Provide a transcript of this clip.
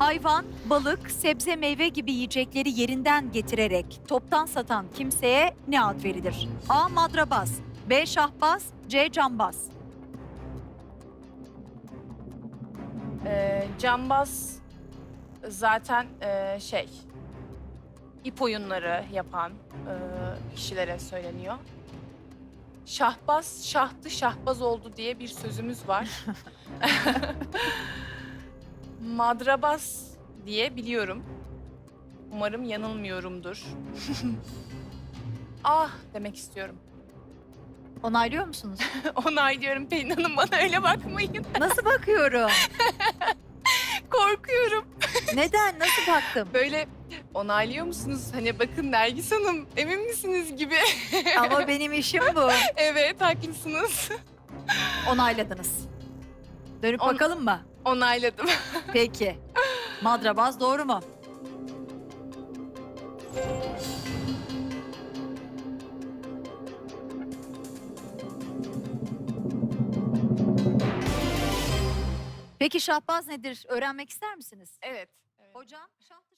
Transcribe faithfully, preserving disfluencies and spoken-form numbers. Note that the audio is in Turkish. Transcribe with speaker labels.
Speaker 1: Hayvan, balık, sebze, meyve gibi yiyecekleri yerinden getirerek toptan satan kimseye ne ad verilir? A. Madrabaz, B. Şahbaz, C. Cambaz.
Speaker 2: Ee, cambaz zaten e, şey ip oyunları yapan e, kişilere söyleniyor. Şahbaz şahtı şahbaz oldu diye bir sözümüz var. Madrabaz diye biliyorum. Umarım yanılmıyorumdur. Ah demek istiyorum.
Speaker 1: Onaylıyor musunuz?
Speaker 2: Onaylıyorum Pelin Hanım, bana öyle bakmayın.
Speaker 1: Nasıl bakıyorum?
Speaker 2: Korkuyorum.
Speaker 1: Neden? Nasıl baktım?
Speaker 2: Böyle onaylıyor musunuz? Hani bakın Nergis Hanım, emin misiniz gibi.
Speaker 1: Ama benim işim bu.
Speaker 2: Evet, haklısınız.
Speaker 1: Onayladınız. Dönüp
Speaker 2: On-
Speaker 1: bakalım mı?
Speaker 2: Onayladım.
Speaker 1: Peki. Madrabaz doğru mu? Peki şahbaz nedir? Öğrenmek ister misiniz?
Speaker 2: Evet. evet.
Speaker 1: Hocam, şah